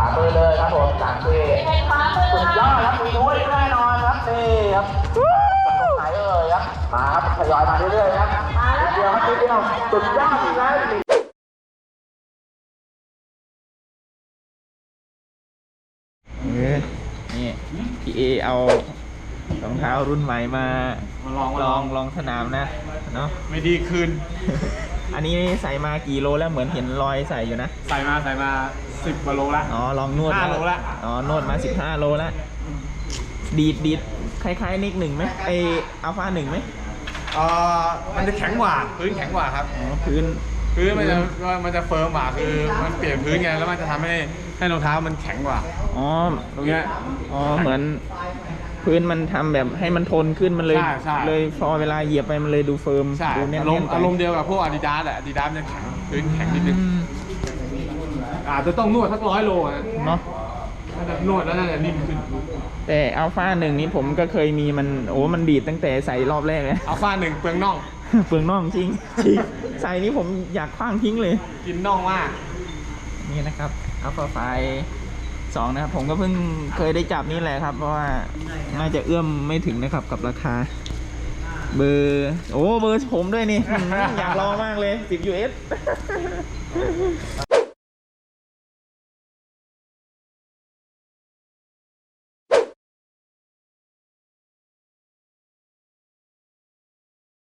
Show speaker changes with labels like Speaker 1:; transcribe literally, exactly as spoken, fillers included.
Speaker 1: มือเลยครับผมสามปีสุดยอดครับมีด้วยแน่นอนครับนี่ครับตรงไหนเอ่ยครับมาครับทยอยมาเรื่อยๆครับเดียวครับนิดเดียวสุดยอดอีกแล้ว
Speaker 2: นี่พี่เอเอารองเท้ารุ่นใหม่มาลองลองลองสนามนะเนาะ
Speaker 3: ไม่ดีคืน
Speaker 2: อันนี้ใส่มากี่โลแล้วเหมือนเห็นรอยใส่อยู่นะ
Speaker 3: ใส่มาใส่มาสิบกว่าโลละ
Speaker 2: อ๋อลองนวด
Speaker 3: ห้าโลละ
Speaker 2: อ๋อนวดมาสิบห้าโลละดีดดีดคล้ายๆนิกหนึ่งไหมไออัลฟาหนึ่งไหม
Speaker 3: เอ่อมันจะแข็งกว่าพื้นแข็งกว่าครับ
Speaker 2: อ๋อพื้น
Speaker 3: พื้นมันจะมันจะเฟิร์มกว่าคือมันเปลี่ยนพื้นไงแล้วมันจะทำให้ให้รองเท้ามันแข็งกว่า
Speaker 2: อ๋อ
Speaker 3: ตรงเนี้ย
Speaker 2: อ๋อเหมือนพื้นมันทำแบบให้มันทนขึ้นมันเลยเลยพอเวลาเหยียบไปมันเลยดูเฟิร์มดูแน่น
Speaker 3: อารมณ์อารมณ์เดียวกับพวกอาดิดาสแหละอาดิดาสจะแข็งพื้นแข็งนิดนึงอาจจะต้องนวดสักร้อยโล
Speaker 2: เนาะ
Speaker 3: ถ้าจะนวดแล้วน่าจะนิ่มขึ้น
Speaker 2: แต่อัลฟาหนึ่งนี้ผมก็เคยมีมันโอ้มันดีดตั้งแต่ใส่รอบแรกเลย
Speaker 3: อัลฟาหนึ่งเปลืองน่อง
Speaker 2: เปลืองน่องจริงใส่นี้ผมอยากคว้างทิ้งเลย
Speaker 3: กินน่องมาก
Speaker 2: นี่นะครับอัลฟาไฟสองนะครับผมก็เพิ่งเคยได้จับนี่แหละครับเพราะว่าน่าจะเอื้อมไม่ถึงนะครับกับราคาเบอร์โอ้เบอร์ผมด้วยนี่อยากลองมากเลยสิบ ยู เอส